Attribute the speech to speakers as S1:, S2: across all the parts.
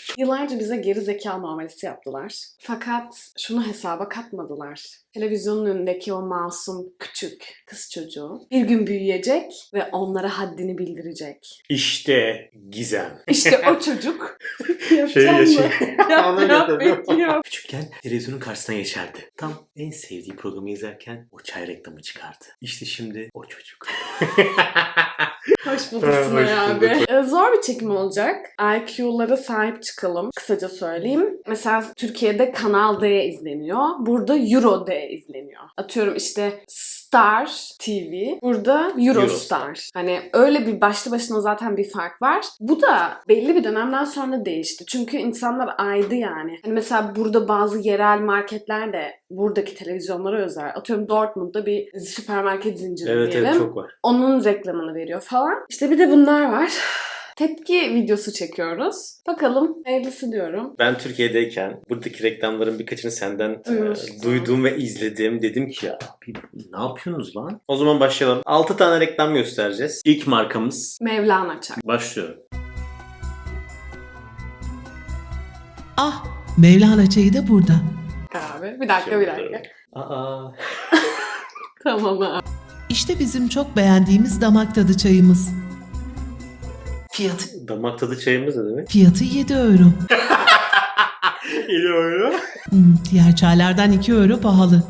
S1: Yıllarca bize geri zeka muamelesi yaptılar. Fakat şunu hesaba katmadılar. Televizyonun önündeki o masum küçük kız çocuğu bir gün büyüyecek ve onlara haddini bildirecek.
S2: İşte Gizem.
S1: İşte o çocuk.
S2: Şey
S1: Yapacağım mı? Yap, bekliyorum.
S2: Küçükken televizyonun karşısına geçerdi. Tam en sevdiği programı izlerken o çay reklamı çıkardı. İşte şimdi o çocuk.
S1: Hoş bulduk Sunay abi. Zor bir çekim olacak. IQ'lara sahip çıkalım. Kısaca söyleyeyim. Mesela Türkiye'de Kanal D izleniyor. Burada Euro D izleniyor. Atıyorum işte Star TV. Burada Eurostar. Hani öyle bir başlı başına zaten bir fark var. Bu da belli bir dönemden sonra değişti. Çünkü insanlar aydı yani. Hani mesela burada bazı yerel marketler de buradaki televizyonlara özel. Atıyorum Dortmund'da bir süpermarket zinciri
S2: Evet
S1: diyelim.
S2: evet çok var.
S1: Onun reklamını veriyor falan. İşte bir de bunlar var. Tepki videosu çekiyoruz. Bakalım hayırlısı diyorum.
S2: Ben Türkiye'deyken buradaki reklamların birkaçını senden
S1: Duymuştum.
S2: duydum ve izledim. Dedim ki ya ne yapıyorsunuz lan? O zaman başlayalım. 6 tane reklam göstereceğiz. İlk markamız.
S1: Mevlana Çay.
S2: Başlıyorum.
S3: Ah, Mevlana çayı da burada.
S1: Abi. Bir dakika.
S2: Aa.
S1: Tamam abi.
S3: İşte bizim çok beğendiğimiz damak tadı çayımız. Fiyatı
S2: Damak tadı çayımız ne demek?
S3: fiyatı 7 euro.
S2: 7 euro.
S3: Diğer çaylardan 2 euro pahalı.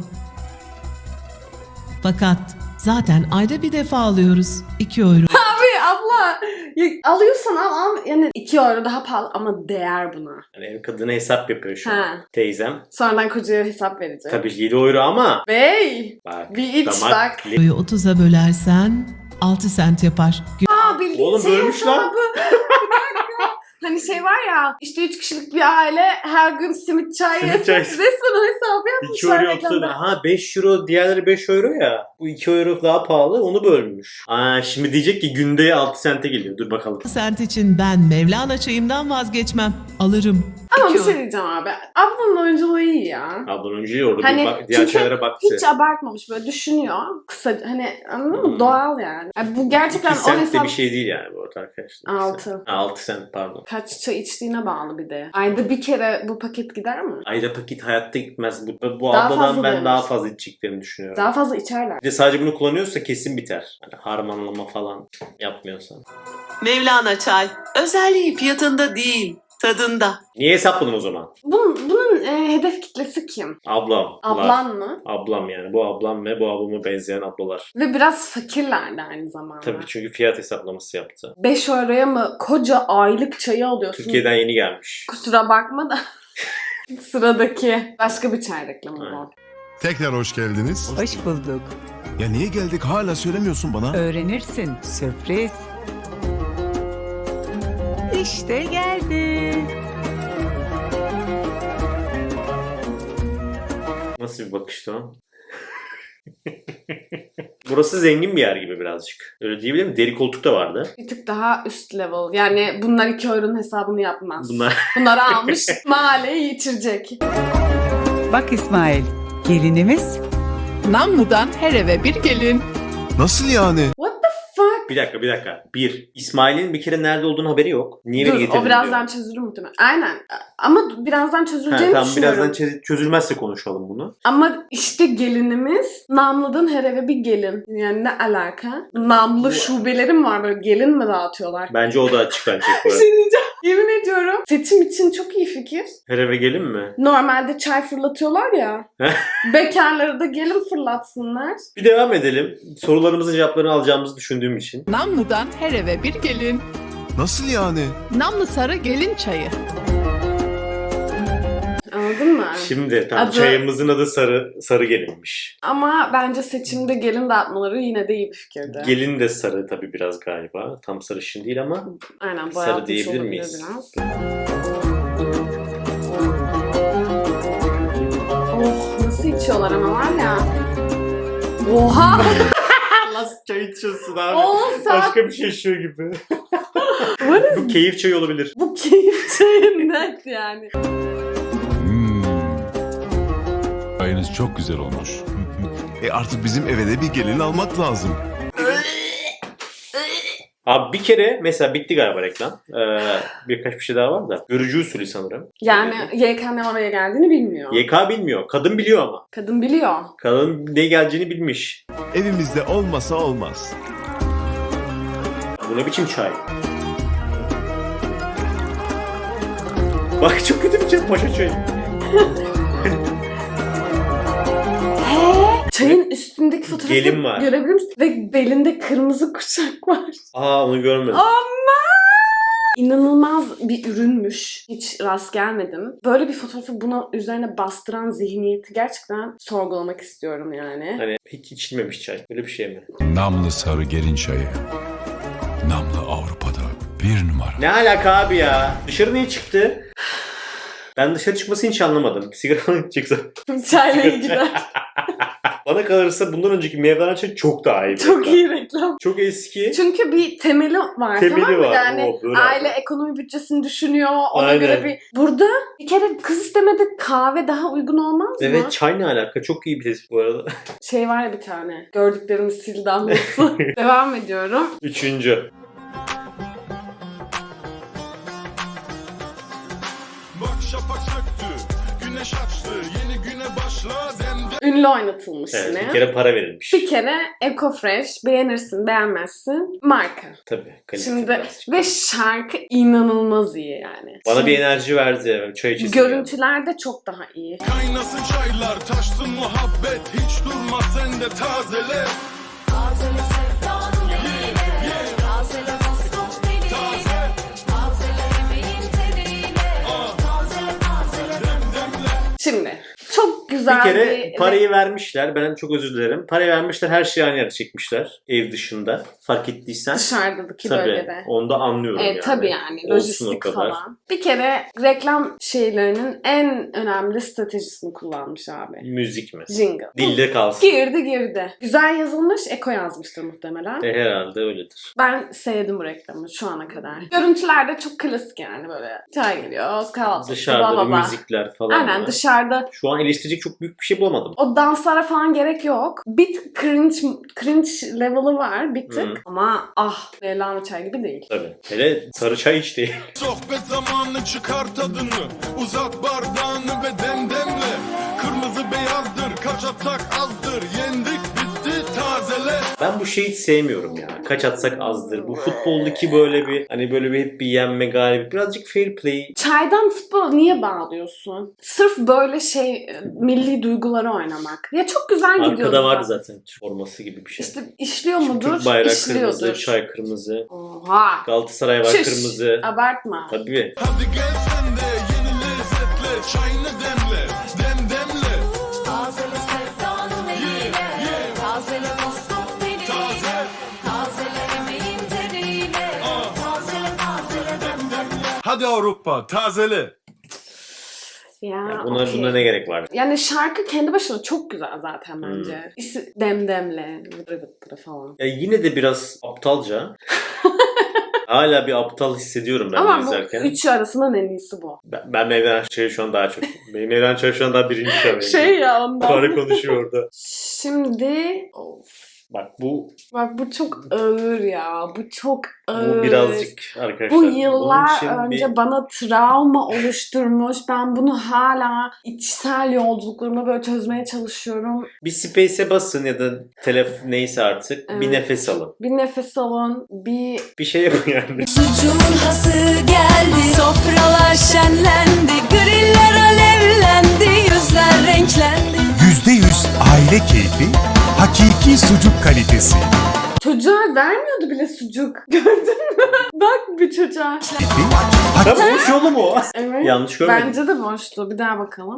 S3: Fakat zaten ayda bir defa alıyoruz. 2 euro.
S1: Abi abla ya, alıyorsan al yani 2 euro daha pahalı ama değer buna.
S2: Yani ev kadını hesap yapıyor şu an.
S1: Ha.
S2: Teyzem.
S1: Sonradan kocaya hesap verecek.
S2: Tabii 7 euro ama.
S1: Bey!
S2: Bak.
S1: Bir iç bak.
S3: Euroyu 30'a bölersen 6 sent yapar.
S1: Aa bildiğin
S2: Oğlum
S1: şey
S2: bölmüş lan.
S1: hesabı. Bir dakika. Hani şey var ya işte 3 kişilik bir aile her gün simit çay
S2: Simit
S1: yesin.
S2: çay.
S1: Resmen o hesabı
S2: 2
S1: yapmışlar
S2: euro
S1: reklamda.
S2: yoksa ha 5 euro diğerleri 5 euro ya. Bu 2 euro daha pahalı onu bölmüş. Aa şimdi diyecek ki günde 6 sente geliyor. Dur bakalım.
S3: 6 sent için ben Mevlana çayımdan vazgeçmem. Alırım.
S1: Ama
S3: 2
S1: bir
S3: euro.
S1: şey diyeceğim abi. Ablanın oyunculuğu iyi ya.
S2: Ablan önce orada
S1: Hani
S2: bir diğer
S1: çünkü
S2: şeylere baktı.
S1: hiç abartmamış böyle düşünüyor. Kısa hani anladın mı?
S2: Hmm.
S1: Doğal yani. Bu gerçekten
S2: 2
S1: o
S2: sent de
S1: hesap
S2: bir şey değil yani bu arada arkadaşlar.
S1: 6.
S2: 6 sent pardon.
S1: Kaç çay içtiğine bağlı bir de. Ayda bir kere bu paket gider mi?
S2: Ayda paket hayatta gitmez. Bu
S1: Daha
S2: abladan
S1: fazla
S2: ben
S1: verir.
S2: daha fazla içeceklerini düşünüyorum.
S1: Daha fazla içerler.
S2: Bir de sadece bunu kullanıyorsa kesin biter. Hani harmanlama falan yapmıyorsan.
S3: Mevlana çay. Özelliği fiyatında değil, tadında.
S2: Niye hesapladın o zaman?
S1: Bunun hedef kitlesi kim?
S2: Ablam.
S1: Ablan mı?
S2: Ablam yani. Bu ablam ve bu ablama benzeyen ablalar.
S1: Ve biraz fakirler de aynı zamanda.
S2: Tabii çünkü fiyat hesaplaması yaptı.
S1: 5 euroya mı koca aylık çayı alıyorsun?
S2: Türkiye'den yeni gelmiş.
S1: Kusura bakma da. Sıradaki başka bir çay reklamı
S2: Aynen.
S1: var.
S4: Tekrar hoş geldiniz.
S5: Hoş bulduk.
S4: Ya niye geldik hala söylemiyorsun bana?
S5: Öğrenirsin. Sürpriz. İşte geldi.
S2: Nasıl bir bakıştı o? Burası zengin bir yer gibi birazcık. Öyle diyebilir miyim? Deri koltuk da vardı.
S1: Bir tık daha üst level. Yani bunlar 2 euronun hesabını yapmaz.
S2: Bunlar
S1: Bunları almış mahalleyi geçirecek.
S5: Bak İsmail, gelinimiz Namlu'dan her eve bir gelin.
S4: Nasıl yani?
S1: What the fuck?
S2: bir dakika. İsmail'in bir kere nerede olduğunu haberi yok. Niye beni
S1: Dur
S2: getirdin
S1: o birazdan
S2: diyor.
S1: çözülür muhtemelen. Aynen. Ama birazdan çözüleceğini
S2: Tamam
S1: düşünüyorum.
S2: birazdan çözülmezse konuşalım bunu.
S1: Ama işte gelinimiz Namlı'dan her eve bir gelin. Yani ne alaka? Namlı şubeleri mi var böyle gelin mi dağıtıyorlar?
S2: Bence o da açıklanacak bu
S1: Bir
S2: arada.
S1: şey diyeceğim. Yemin ediyorum. Seçim için çok iyi fikir.
S2: Her eve gelin mi?
S1: Normalde çay fırlatıyorlar ya. Bekarları da gelin fırlatsınlar.
S2: Bir devam edelim. Sorularımızın cevaplarını alacağımızı düşündüğüm için.
S6: Namlu'dan her eve bir gelin.
S4: Nasıl yani?
S6: Namlı sarı gelin çayı.
S1: Anladın mı?
S2: Şimdi tamam
S1: Adı-
S2: çayımızın adı sarı gelinmiş.
S1: Ama bence seçimde gelin dağıtmaları yine de iyi bir fikirdi.
S2: Gelin de sarı tabii biraz galiba. Tam sarışın değil ama
S1: Aynen
S2: sarı
S1: boyatmış
S2: diyebilir
S1: olabilir
S2: miyiz?
S1: biraz. Oh nasıl içiyorlar ama var ya. Oha!
S2: Nasıl çay içiyorsun abi?
S1: 10 saat.
S2: Başka bir şey içiyor gibi.
S1: What is
S2: Bu keyif çayı olabilir.
S1: bu keyif çayı net yani.
S7: Çayınız çok güzel olmuş.
S4: Artık bizim eve de bir gelin almak lazım.
S2: Abi bir kere mesela bitti galiba reklam. Birkaç bir şey daha var da. Görücü usulü sanırım.
S1: Yani YK'nın oraya geldiğini bilmiyor.
S2: YK bilmiyor. Kadın biliyor ama.
S1: Kadın biliyor.
S2: Kadın ne geleceğini bilmiş.
S4: Evimizde olmasa olmaz.
S2: Bu ne biçim çay? Bak çok kötü bir çay. Paşa çayı.
S1: Çayın üstündeki fotoğrafı
S2: Gelin var.
S1: görebilir misin? Ve belinde kırmızı kuşak var.
S2: Aa onu görmedim.
S1: İnanılmaz bir ürünmüş. Hiç rast gelmedim. Böyle bir fotoğrafı buna üzerine bastıran zihniyeti gerçekten sorgulamak istiyorum yani.
S2: Hani hiç içilmemiş çay. Böyle bir şey mi?
S7: Namlı sarı gelin çayı. Namlı Avrupa'da bir numara.
S2: Ne alaka abi ya? Dışarı niye çıktı? Ben dışarı çıkmasını hiç anlamadım. Sigara çıksa.
S1: Çayla gider.
S2: Bana kalırsa bundan önceki Mevlana çay çok daha iyi.
S1: Çok iyi reklam.
S2: Çok eski.
S1: Çünkü bir temeli var,
S2: Temeli
S1: tamam mı?
S2: var.
S1: Yani
S2: O, böyle
S1: aile
S2: abi.
S1: ekonomi bütçesini düşünüyor. Ona
S2: Aynen.
S1: göre bir... Burada bir kere kız istemede kahve daha uygun olmaz mı?
S2: Evet çay ne alaka? Çok iyi bir tespit bu arada.
S1: Şey var ya bir tane. Gördüklerimiz sil damlası. Devam ediyorum.
S2: Üçüncü.
S4: Bak şafak söktü, güneş açtı, yeni güne başla demde.
S1: Ünlü oynatılmış
S2: Evet,
S1: yine.
S2: bir kere para verilmiş.
S1: Bir kere Ecofresh, beğenirsin beğenmezsin, marka.
S2: Tabii. kalite
S1: Şimdi
S2: biraz.
S1: ve şarkı inanılmaz iyi yani.
S2: Bana bir enerji verdi ya. Çay içesim
S1: Görüntüler de çok daha iyi.
S4: Kaynasın çaylar, taşsın muhabbet, hiç durma sen de tazele.
S8: Tazele sevdanın eliyle, tazele dostum diliyle, tazele emeğin teriyle, tazele demdemle.
S1: Şimdi çok güzel
S2: Bir kere parayı vermişler. Ben çok özür dilerim. Parayı vermişler. Her şeyi aynı yere çekmişler. Ev dışında. Fark ettiysen.
S1: dışarıdaki
S2: Tabii.
S1: bölgede.
S2: Onu da anlıyorum yani.
S1: Tabii yani
S2: Olsun o
S1: lojistik
S2: kadar.
S1: falan. Bir kere reklam şeylerinin en önemli stratejisini kullanmış abi.
S2: Müzik mi?
S1: Jingle.
S2: Dilde kalsın.
S1: Girdi. Güzel yazılmış, Eko yazmıştır muhtemelen.
S2: Herhalde öyledir.
S1: Ben sevdim bu reklamı şu ana kadar. Görüntüler de çok klasik yani böyle. Çay geliyor, kahvaltı.
S2: Dışarıda
S1: bla bla bla.
S2: müzikler falan
S1: Aynen
S2: var.
S1: dışarıda
S2: Şu an eleştirecek çok büyük bir şey bulamadım.
S1: o danslara falan gerek yok. Bir tık cringe level'ı var bir tık.
S2: Hı.
S1: Ama Mevlana çay gibi değil.
S2: Tabii. Hele sarı çay içti.
S4: Sohbet zamanı çıkar tadını, uzat bardağını ve demdemle. Kırmızı beyazdır, kaç atsak azdır, yendik bitti tazele.
S2: Ben bu şeyi hiç sevmiyorum ya. Kaç atsak azdır. Bu futboldaki böyle bir hani böyle bir hep bir yenme galibiyet. Birazcık fair play.
S1: Çaydan futbola niye bağlıyorsun? Sırf böyle milli duyguları oynamak. Ya çok güzel gidiyordu.
S2: Arkada vardı zaten Türk forması gibi bir şey.
S1: İşte işliyor
S2: Şimdi
S1: mudur?
S2: Türk bayrağı
S1: İşliyordur.
S2: kırmızı, çay kırmızı.
S1: Oha.
S2: Galatasaray var
S1: Çüş.
S2: kırmızı.
S1: Abartma.
S2: Tabii.
S4: Hadi gel sen de yeni lezzetle, çayını demle, demdemle.
S8: Tazele sevdanın eliyle, tazele dostum diliyle, tazele emeğin teriyle, tazele demdemle.
S4: Hadi Avrupa, tazele.
S1: Ya,
S2: Buna ne gerek var?
S1: Yani şarkı kendi başına çok güzel zaten bence. Demdemle, vıdırı vıdırı falan.
S2: Ya yine de biraz aptalca. Hala bir aptal hissediyorum ben
S1: Ama
S2: bunu
S1: bu
S2: izlerken.
S1: üçü arasından en iyisi bu.
S2: Ben Mevlana Çay'ı şu an daha çok. Benim Mevlana Çay şu an daha birinci şu an.
S1: Ya ondan.
S2: Karı konuşuyor orada.
S1: Şimdi
S2: Bak bu
S1: bu çok ağır ya. Bu çok ağır.
S2: bu birazcık arkadaşlar.
S1: Bu
S2: bunun
S1: yıllar
S2: için
S1: önce bana travma oluşturmuş. Ben bunu hala içsel yolculuklarımda böyle çözmeye çalışıyorum.
S2: bir space'e basın ya da neyse artık bir
S1: Evet.
S2: nefes alın.
S1: Bir nefes alın.
S2: Bir şey yapın yani.
S8: Sucuğun hası geldi, sofralar şenlendi, griller alevlendi, yüzler renklendi.
S9: %100 aile keyfi, hakiki sucuk kalitesi.
S1: Çocuğa vermiyordu bile sucuk. Gördün mü? Bak bir çocuğa.
S2: Ha boş yolu mu?
S1: Evet.
S2: Yanlış görmedim.
S1: Bence de boştu. Bir daha bakalım.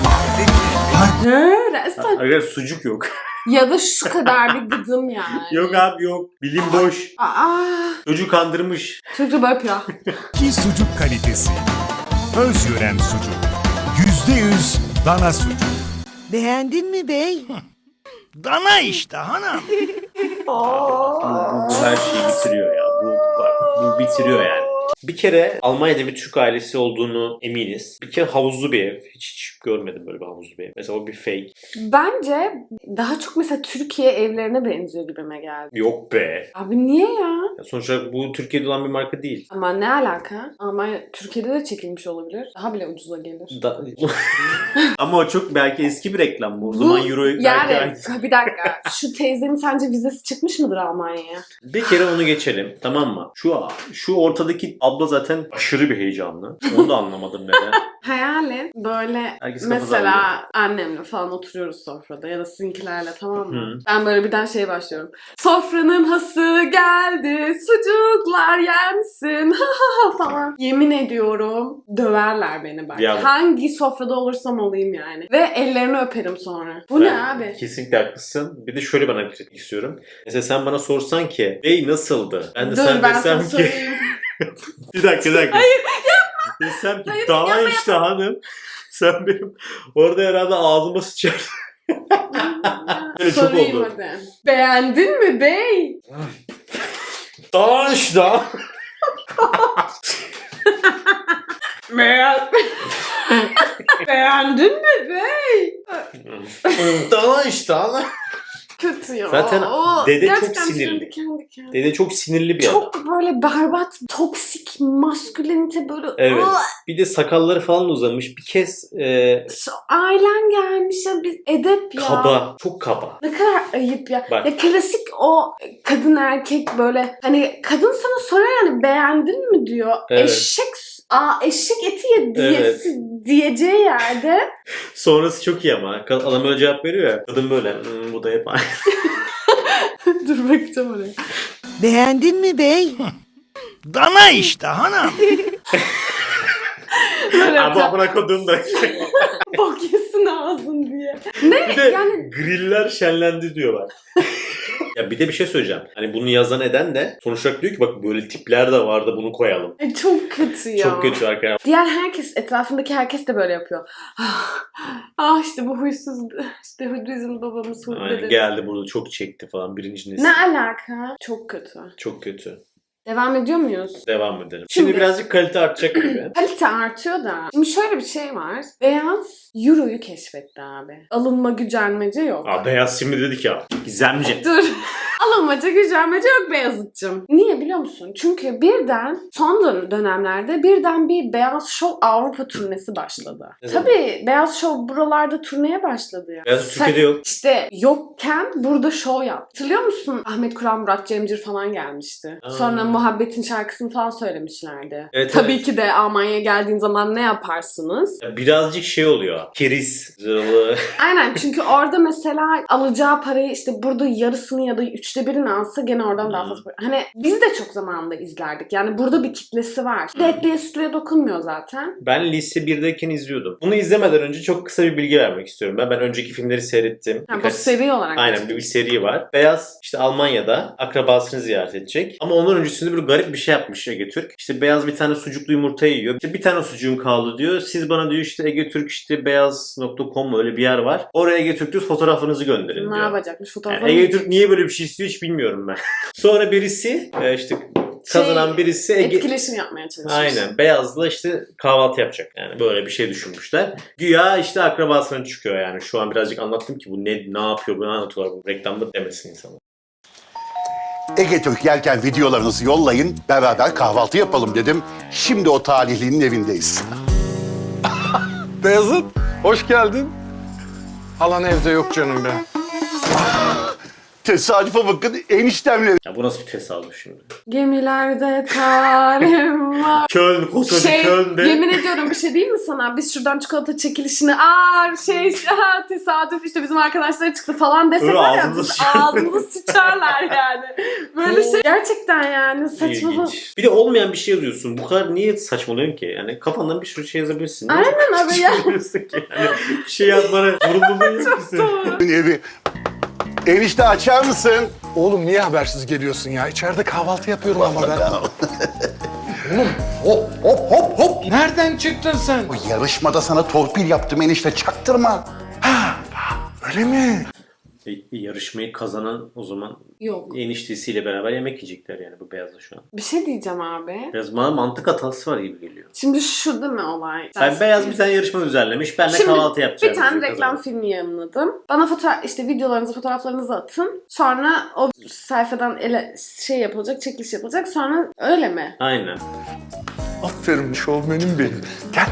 S9: Har-
S1: Resmen.
S2: Arkadaşlar sucuk yok.
S1: Ya da şu kadar bir gıdım yani.
S2: Yok abi yok. Bilim boş.
S1: Aa,
S2: Çocuğu kandırmış.
S1: çocuğu böyle yapıyor.
S9: Hakiki sucuk kalitesi. Özyören sucuk. %100 dana sucuk.
S5: Beğendin mi bey?
S9: Dana işte hanım.
S2: Bu her şeyi bitiriyor ya. Bu bitiriyor yani. Bir kere Almanya'da bir Türk ailesi olduğunu eminiz. Bir kere havuzlu bir ev. Hiç görmedim böyle bir havuzlu bir ev. Mesela o bir fake.
S1: Bence daha çok mesela Türkiye evlerine benziyor gibime geldi.
S2: Yok be.
S1: Abi niye ya?
S2: Ya sonuçta bu Türkiye'de olan bir marka değil.
S1: Ama ne alaka? Almanya Türkiye'de de çekilmiş olabilir. Daha bile ucuza gelir.
S2: Ama o çok belki eski bir reklam bu. O zaman Euro belki
S1: yani
S2: aynı.
S1: bir dakika. Şu teyzenin sence vizesi çıkmış mıdır Almanya'ya?
S2: Bir kere onu geçelim, tamam mı? Şu ortadaki abla zaten aşırı bir heyecanlı. Onu da anlamadım neden.
S1: Hayalin böyle
S2: Herkes kafa
S1: mesela annemle falan oturuyoruz sofrada ya da sizinkilerle, tamam mı?
S2: Hı.
S1: Ben böyle birden şeye başlıyorum. Sofranın hası geldi, sucuklar yensin falan. Yemin ediyorum döverler beni belki.
S2: Ya-
S1: Hangi sofrada olursam olayım yani. Ve ellerini öperim sonra. Bu ne
S2: Ben
S1: abi?
S2: Kesinlikle haklısın. Bir de şöyle bana bir şey istiyorum. Mesela sen bana sorsan ki bey nasıldı? Ben de
S1: Dur
S2: sen
S1: ben
S2: desem
S1: sana
S2: ki
S1: söyleyeyim.
S2: bir dakika. Hayır yapma. Desem ki
S1: Hayır,
S2: daha
S1: yapma,
S2: işte hanım. Sen benim orada herhalde ağzıma sıçarsın. Böyle çok
S1: Sorayım
S2: oldu.
S1: hadi. Beğendin mi bey?
S2: Daha işte.
S1: Beğendin mi bey?
S2: Daha işte hanım.
S1: Kötü ya.
S2: Zaten
S1: O
S2: dede çok
S1: gerçekten
S2: sinirli.
S1: kendi.
S2: Dede çok sinirli bir adam.
S1: Çok böyle berbat, toksik, maskülenite böyle.
S2: Evet.
S1: Iı,
S2: Bir de sakalları falan uzamış. Bir kez
S1: ailen gelmiş ya, biz edep ya.
S2: kaba. Çok kaba.
S1: Ne kadar ayıp ya.
S2: Bak.
S1: Ya klasik o kadın erkek böyle hani kadın sana soruyor yani beğendin mi diyor.
S2: Evet.
S1: Eşek eti ye diyesi, diyeceği yerde
S2: Sonrası çok iyi ama. Adam öyle cevap veriyor ya. Kadın böyle bu da hep aynı.
S1: dur bakacağım oraya.
S5: Beğendin mi bey?
S9: Dana işte hanım.
S1: Böyle
S2: Ama amına kodum da.
S1: bok yesin ağzın diye. Ne
S2: Bir de
S1: yani
S2: griller şenlendi diyorlar. Ya bir de bir şey söyleyeceğim. Hani bunu yazan eden de sonuç olarak diyor ki bak böyle tipler de vardı bunu koyalım.
S1: çok kötü ya.
S2: Çok kötü arkadaşlar.
S1: Diğer herkes, etrafındaki herkes de böyle yapıyor. İşte bu huysuz, işte bizim babamız
S2: Aynen,
S1: dedemiz.
S2: geldi burada çok çekti falan birinci nesil.
S1: Ne alaka? Çok kötü.
S2: Çok kötü.
S1: Devam ediyor muyuz?
S2: Devam edelim. Şimdi birazcık kalite artacak gibi.
S1: Kalite artıyor da. Şimdi şöyle bir şey var. Beyaz Euro'yu keşfetti abi. Alınma gücenmece yok.
S2: Aa, Beyaz şimdi dedik ya. Gizemci.
S1: Dur. Alınmaca gücenmece yok Beyazıt'cığım. Niye biliyor musun? Çünkü birden son dönemlerde birden bir Beyaz Show Avrupa turnesi başladı.
S2: Ne zaman?
S1: Tabii Beyaz Show buralarda turneye başladı ya.
S2: Beyaz Türkiye'de yok.
S1: İşte yokken burada show yaptı. Hatırlıyor musun? Ahmet Kur'an, Murat Cemcir falan gelmişti.
S2: Aa.
S1: Sonra Muhabbet'in şarkısını falan söylemişlerdi.
S2: Evet,
S1: Tabii
S2: evet.
S1: ki de Almanya'ya geldiğin zaman ne yaparsınız?
S2: Ya birazcık şey oluyor. Keriz. Zırhlı.
S1: Aynen, çünkü orada mesela alacağı parayı işte burada yarısını ya da 1/3'ünü alsa gene oradan daha fazla para. Hani biz de çok zamanında izlerdik. Yani burada bir kitlesi var. Etliye sütlüye dokunmuyor zaten.
S2: Ben lise 1'deyken izliyordum. Bunu izlemeden önce çok kısa bir bilgi vermek istiyorum. Ben önceki filmleri seyrettim.
S1: Ha, bu seri olarak.
S2: Aynen bir seri var. Beyaz işte Almanya'da akrabasını ziyaret edecek. Ama ondan öncesinde böyle garip bir şey yapmış Ege Türk. İşte Beyaz bir tane sucuklu yumurta yiyor. İşte bir tane sucuğum kaldı diyor. Siz bana diyor işte Ege Türk işte beyaz.com öyle bir yer var. Oraya Ege Türk diyor fotoğrafınızı gönderin
S1: Ne
S2: diyor.
S1: yapacakmış fotoğrafı?
S2: Yani Ege Türk niye böyle bir şey istiyor hiç bilmiyorum ben. Sonra birisi işte kazanan birisi
S1: etkileşim yapmaya çalışmış.
S2: Aynen. Beyaz'la işte kahvaltı yapacak. Yani böyle bir şey düşünmüşler. Güya işte akrabasına çıkıyor yani. Şu an birazcık anlattım ki bu ne yapıyor, bu ne anlatıyorlar bu reklamda demesin insanlar.
S10: Ege Türk yerken videolarınızı yollayın, beraber kahvaltı yapalım dedim. Şimdi o talihlinin evindeyiz.
S4: Beyazıt, hoş geldin. Halan evde yok canım be.
S10: Tesadüfe bakın, eniştemle
S2: Ya bu nasıl bir tesadüf şimdi?
S1: Gemilerde talim var.
S2: Köln, koskoca Köln'de.
S1: Yemin ediyorum bir şey değil mi sana? Biz şuradan çikolata çekilişini tesadüf işte bizim arkadaşlara çıktı falan desek
S2: Öyle
S1: var ya
S2: ağzımıza
S1: ağzımıza sıçarlar yani. Böyle şey gerçekten yani saçmalık.
S2: İlginç. Bir de olmayan bir şey yazıyorsun. Bu kadar niye saçmalıyorsun ki? Yani kafandan bir sürü şey yazabilirsin.
S1: Aynen abi ya.
S2: Yazıyorsun ki? Yani bir şey yazmana zorunlu değilsin.
S10: evi. Enişte açar mısın?
S4: Oğlum niye habersiz geliyorsun ya? İçeride kahvaltı yapıyorum ama ben. Oğlum hop. Nereden çıktın sen?
S10: Bu yarışmada sana torpil yaptım enişte, çaktırma.
S4: Öyle mi?
S2: Yarışmayı kazanan o zaman
S1: Yok.
S2: Eniştesiyle beraber yemek yiyecekler yani bu beyazla şu an.
S1: Bir şey diyeceğim abi.
S2: Biraz bana mantık hatası var gibi geliyor.
S1: Şimdi şu değil mi olay?
S2: Yani beyaz bir tane yarışma düzenlemiş. Ben de
S1: Şimdi
S2: kahvaltı yapacağım.
S1: bir tane
S2: diyor
S1: reklam
S2: kazanır.
S1: filmi yayınladım. Bana videolarınızı, fotoğraflarınızı atın. Sonra o sayfadan yapılacak, çekiliş yapılacak. Sonra öyle mi?
S2: Aynen.
S4: Aferin şovmenim benim. Gel.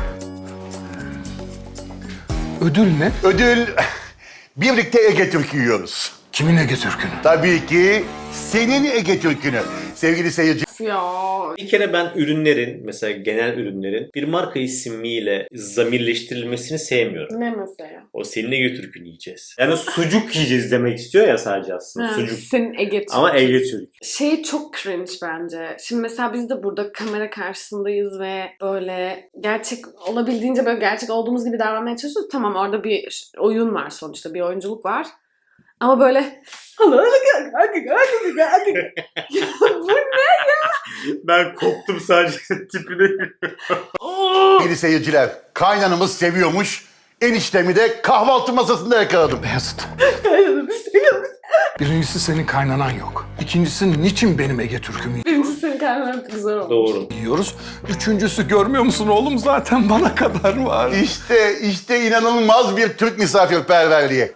S4: Ödül ne?
S10: Ödül birlikte Ege Türk yiyoruz.
S4: Kimin Ege Türk'ünü?
S10: Tabii ki senin Ege Türk'ünü. Sevgili seyirci.
S1: Ya
S2: Bir kere ben ürünlerin, mesela genel ürünlerin bir marka ismiyle zamirleştirilmesini sevmiyorum.
S1: ne mesela?
S2: O senin Ege Türk'ünü yiyeceğiz. Yani sucuk yiyeceğiz demek istiyor ya sadece aslında.
S1: Ha,
S2: Sucuk.
S1: senin Ege Türk.
S2: Ama Ege Türk.
S1: Şey çok cringe bence. Şimdi mesela biz de burada kamera karşısındayız ve böyle gerçek olabildiğince böyle gerçek olduğumuz gibi davranmaya çalışıyoruz. Tamam orada bir oyun var sonuçta. Bir oyunculuk var. Ama böyle bu ne?
S2: Ben koptum sadece tipine.
S10: Sevgili seyirciler, kaynanamız seviyormuş. Eniştemi de kahvaltı masasında yakaladım.
S4: Beyazıt. Birincisi senin kaynanan yok. İkincisi niçin benim Ege Türk'ümü
S1: Birincisi senin karnına güzel olmuş.
S2: Doğru.
S4: yiyoruz? Üçüncüsü görmüyor musun oğlum zaten bana kadar var.
S10: İşte inanılmaz bir Türk misafirperverliği.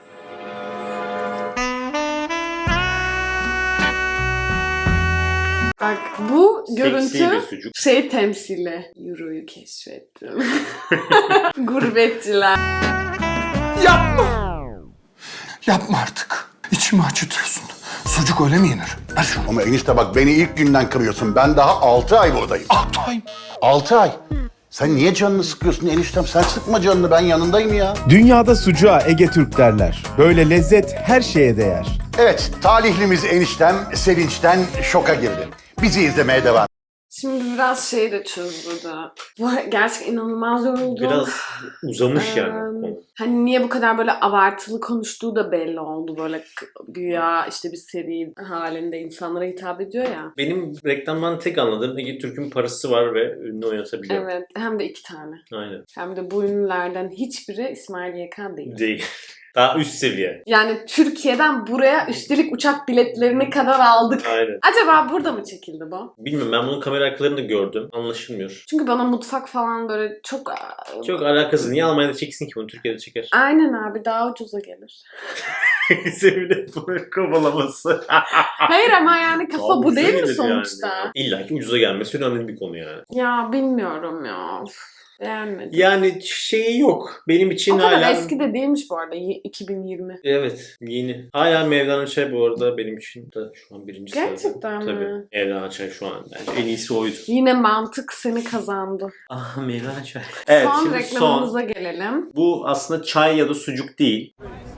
S1: Bak bu
S2: Seksi
S1: görüntü
S2: bir sucuk.
S1: şey temsili. Euro'yu keşfettim. Gurbetçiler.
S4: Yapma! Yapma artık. İçimi acıtıyorsun. Sucuk öyle mi yenir? Ver şunu.
S10: Ama enişte bak beni ilk günden kırıyorsun. Ben daha 6 ay buradayım.
S4: 6 ay.
S10: 6 ay. Sen niye canını sıkıyorsun eniştem? Sen sıkma canını, ben yanındayım ya.
S9: Dünyada sucuğa Ege Türk derler. Böyle lezzet her şeye değer.
S10: Evet, talihlimiz eniştem sevinçten şoka girdi. Bizi izlemeye devam.
S1: Şimdi biraz şey de çözdü. Bu gerçekten inanılmaz yoruldu.
S2: Biraz uzamış yani. konu.
S1: Hani niye bu kadar böyle abartılı konuştuğu da belli oldu. Böyle güya işte bir seri halinde insanlara hitap ediyor ya.
S2: Benim reklamdan tek anladığım Ege Türk'ün parası var ve ünlü oynatabiliyor.
S1: Evet. Hem de 2 tane.
S2: Aynen.
S1: Hem de bu ünlülerden hiçbiri İsmail YK değil.
S2: Değil. Daha üst seviye.
S1: Yani Türkiye'den buraya üstelik uçak biletlerini kadar aldık.
S2: Aynen.
S1: Acaba burada mı çekildi bu?
S2: Bilmiyorum, ben bunun kamera arkalarını gördüm. Anlaşılmıyor.
S1: Çünkü bana mutfak falan böyle çok...
S2: Çok alakasız. Niye Almanya'da çeksin ki bunu? Türkiye'de çeker.
S1: Aynen abi, daha ucuza gelir.
S2: Sevile bunu kovalaması.
S1: Hayır ama yani kafa bu
S2: Ucuza
S1: değil mi
S2: gelir
S1: sonuçta?
S2: Yani. İlla ki ucuza gelmesi önemli bir konu yani.
S1: Ya bilmiyorum ya. Üf, beğenmedim.
S2: Yani şeyi yok. Benim için
S1: O kadar
S2: hala...
S1: eski de değilmiş bu arada. 2020.
S2: Evet, yeni. Hala Mevlana Çay bu arada benim için de şu an birinci sırada.
S1: Gerçekten mi?
S2: Tabii. Mevlana Çay şu an bence en iyisi oydu.
S1: Yine mantık seni kazandı.
S2: Ah, Mevlana Çay. Evet,
S1: Son
S2: şimdi
S1: reklamımıza gelelim.
S2: Bu aslında çay ya da sucuk değil.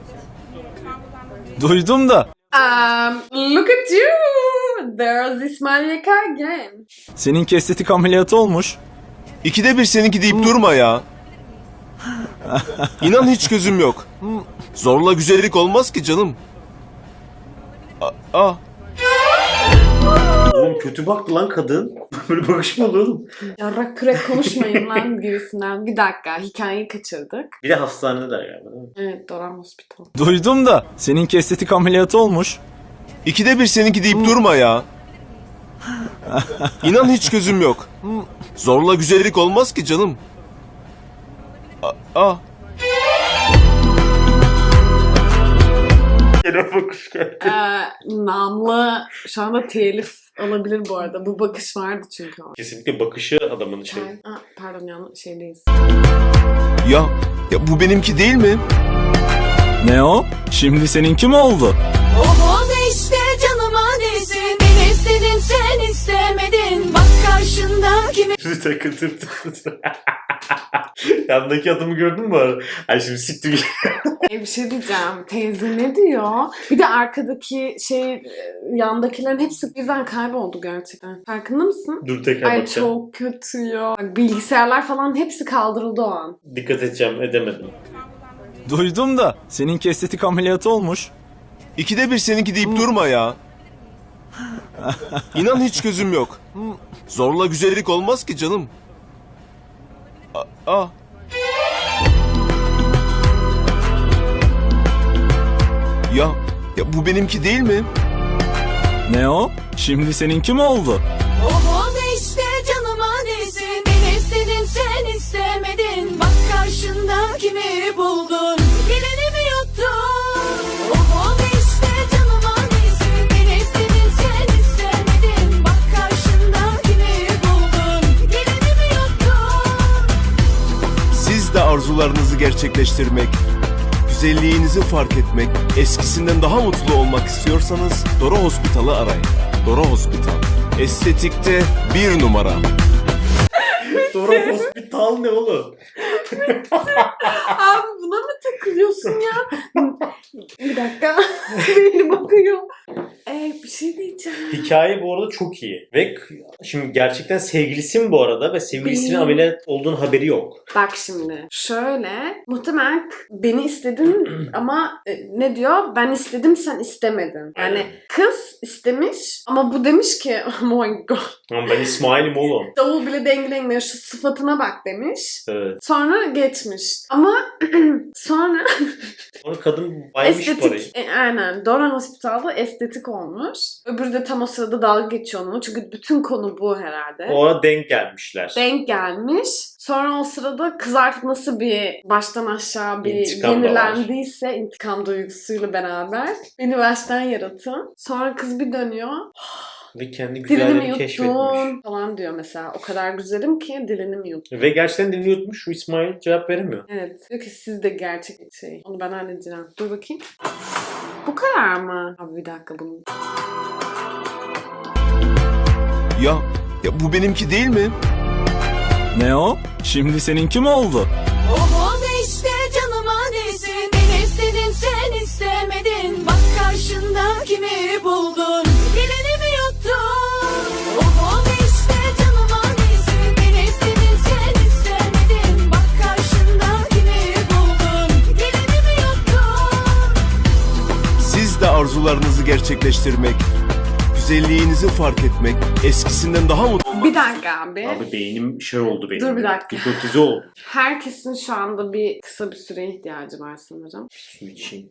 S9: Duydum da.
S1: Look at you! There's İsmail YK again.
S9: Seninki estetik ameliyatı olmuş. İkide bir seninki deyip durma ya. İnan hiç gözüm yok. Zorla güzellik olmaz ki canım.
S2: Oğlum kötü baktı lan kadın. Böyle bakış mı olur oğlum?
S1: Yarrak kürek konuşmayın lan gibisinden. Bir dakika, hikayeyi kaçırdık.
S2: Bir de hastanedeler galiba değil mi?
S1: Evet, Doran Hospital.
S9: Duydum da. Seninki estetik ameliyatı olmuş. İkide bir seninki deyip durma ya. İnan hiç gözüm yok. Zorla güzellik olmaz ki canım.
S2: Gene bakış geldi.
S1: Namlı şu anda telif olabilir bu arada. Bu bakış vardı çünkü o.
S2: Kesinlikle bakışı adamın şey.
S1: Pardon yanlış şeydeyiz.
S9: Ya bu benimki değil mi? Ne o? Şimdi seninki mi oldu?
S8: O da işte canıma değsin. Beni istedin sen istemedin. Bak karşında kimi
S2: Bir takıldım. Yandaki adamı gördün mü bu arada? Ay şimdi siktir.
S1: Bir şey diyeceğim. Teyze ne diyor? Bir de arkadaki yandakilerin hepsi birden kayboldu gerçekten. Farkında mısın?
S2: Dur tekrar
S1: Ay
S2: bakacağım.
S1: çok kötü ya. Bak, bilgisayarlar falan hepsi kaldırıldı o an.
S2: Dikkat edeceğim, edemedim.
S9: Duydum da. Seninki estetik ameliyatı olmuş. İkide bir seninki deyip durma ya. İnan hiç gözüm yok. Zorla güzellik olmaz ki canım. Ya bu benimki değil mi? Ne o? Şimdi seninki mi oldu?
S8: Oh oldu işte canım annesin. Beni istedin sen istemedin. Bak karşında kimi buldun? Gelini mi yuttun? Oh oldu işte canım annesin. Beni istedin sen istemedin. Bak karşında kimi buldun? Gelini mi yuttun?
S9: Siz de arzularınızı gerçekleştirmek, güzelliğinizi fark etmek, eskisinden daha mutlu olmak istiyorsanız Dora Hospital'ı arayın. Dora Hospital. Estetikte 1 numara.
S2: Dora Hospital ne oğlum?
S1: Abi buna mı takılıyorsun ya? Bir dakika. Beni bakıyor. Bir şey diyeceğim.
S2: Hikaye bu arada çok iyi. Ve şimdi gerçekten sevgilisi mi bu arada ve sevgilisinin
S1: Benim-
S2: ameliyat olduğunun haberi yok.
S1: Bak şimdi şöyle muhtemelen beni istedin ama ne diyor? Ben istedim sen istemedin. Yani kız istemiş ama bu demiş ki oh my god.
S2: Ama ben İsmail'im oğlum.
S1: Davul bile dengelemiyor şu sıfatına bak demiş.
S2: Evet.
S1: Sonra geçmiş. Ama sonra
S2: Sonra kadın baymış parayı.
S1: estetik, aynen Dora Hospital'da estetik olmuş. Öbürü de tam o sırada dalga geçiyor onunla. Çünkü bütün konu bu herhalde.
S2: O ara denk gelmişler.
S1: Denk gelmiş. Sonra o sırada kız artık nasıl bir baştan aşağı bir
S2: İntikam da
S1: yenilendiyse intikam duygusuyla beraber beni baştan yaratın. Sonra kız bir dönüyor.
S2: Ve kendi
S1: Dilini mi
S2: güzelliğini keşfetmiş.
S1: yuttun falan diyor mesela. O kadar güzelim ki dilini mi yuttun?
S2: Ve gerçekten dilini yutmuş. Şu İsmail cevap veremiyor.
S1: Evet. Diyor ki siz de gerçek şey. Onu ben halledeceğim. Dur bakayım. Bu kadar mı? Abi bir dakika bunu.
S9: Ya bu benimki değil mi? Ne o? Şimdi seninki mi oldu?
S8: Oh oldu işte canım annesin. Beni istedin sen istemedin. Bak karşında kimi buldun? Gelini mi yuttun? Oh oldu işte canım annesin. Beni istedin sen istemedin. Bak karşında kimi buldun? Gelini mi yuttun?
S9: Siz de arzularınızı gerçekleştirmek, güzelliğinizi fark etmek, eskisinden daha mutlu
S1: Bir dakika abi.
S2: Abi beynim şey oldu benim.
S1: Dur bir dakika.
S2: Hipnotize oldu.
S1: Herkesin şu anda bir kısa bir süreye ihtiyacı var sanırım.
S2: Su içeyim.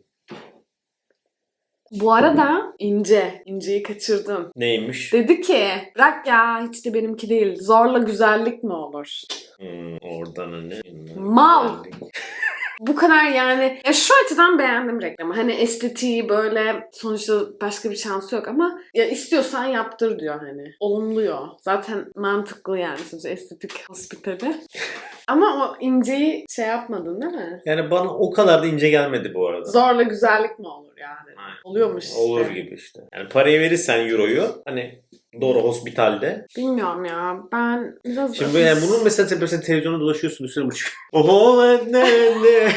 S1: Bu arada İnce'yi kaçırdın.
S2: Neymiş?
S1: Dedi ki bırak ya hiç de benimki değil. Zorla güzellik mi olur?
S2: Oradan ne?
S1: Mal. Bu kadar yani. Ya şu açıdan beğendim reklamı. Hani estetiği böyle sonuçta başka bir şansı yok ama ya istiyorsan yaptır diyor hani. Olumluyor. Zaten mantıklı yani sonuçta estetik hospitali. Ama o İnce'yi şey yapmadın değil mi?
S2: Yani bana o kadar da ince gelmedi bu arada.
S1: Zorla güzellik mi olur yani?
S2: Aynen.
S1: Oluyormuş işte.
S2: Olur gibi işte. Yani parayı verirsen euroyu hani Dora Hospital'de.
S1: Bilmiyorum ya. Ben biraz...
S2: Şimdi yani bunun mesela tepesine televizyona dolaşıyorsun üstüne buçuk. Oho ne.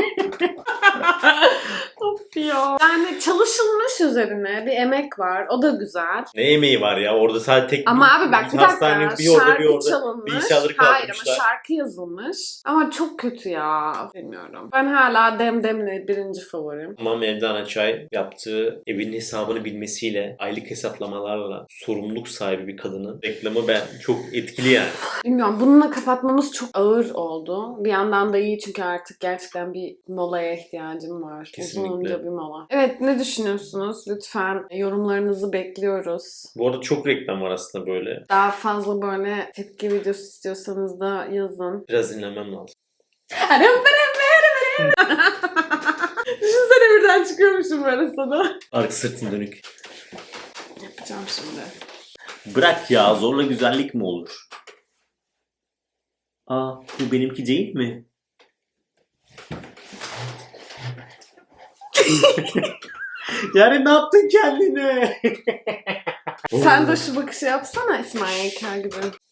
S1: Of ya. Yani çalışılmış üzerine bir emek var. O da güzel.
S2: Ne emeği var ya orada sadece tek
S1: Ama abi bak bir dakika.
S2: hastanenin bir orada bir
S1: Şarkı
S2: orada
S1: çalınmış.
S2: bilgisayarları
S1: Hayır
S2: kaldırmışlar.
S1: ama şarkı yazılmış. Ama çok kötü ya. Bilmiyorum. Ben hala Demdem'le birinci favorim.
S2: Ama Mevlana Çay yaptığı evin hesabını bilmesiyle aylık hesaplamalarla sorumluluk sahibi bir kadının reklamı ben çok etkili yani.
S1: Bilmiyorum. Bununla kapatmamız çok ağır oldu. Bir yandan da iyi çünkü artık gerçekten bir molaya ihtiyacım var.
S2: Kesinlikle.
S1: Uzunca bir mola. Evet ne düşünüyorsunuz? Lütfen yorumlarınızı bekliyoruz.
S2: Bu arada çok reklam var aslında böyle.
S1: Daha fazla böyle tepki videosu istiyorsanız da yazın.
S2: Biraz dinlemem lazım.
S1: Düşünsene birden çıkıyormuşum böyle sana.
S2: Arka sırtın dönük.
S1: Yapacağım şimdi.
S2: Bırak ya zorla güzellik mi olur? Aa bu benimki değil mi? Yani ne yaptın kendine?
S1: Sen de şu bakışı yapsana İsmail Yeker gibi.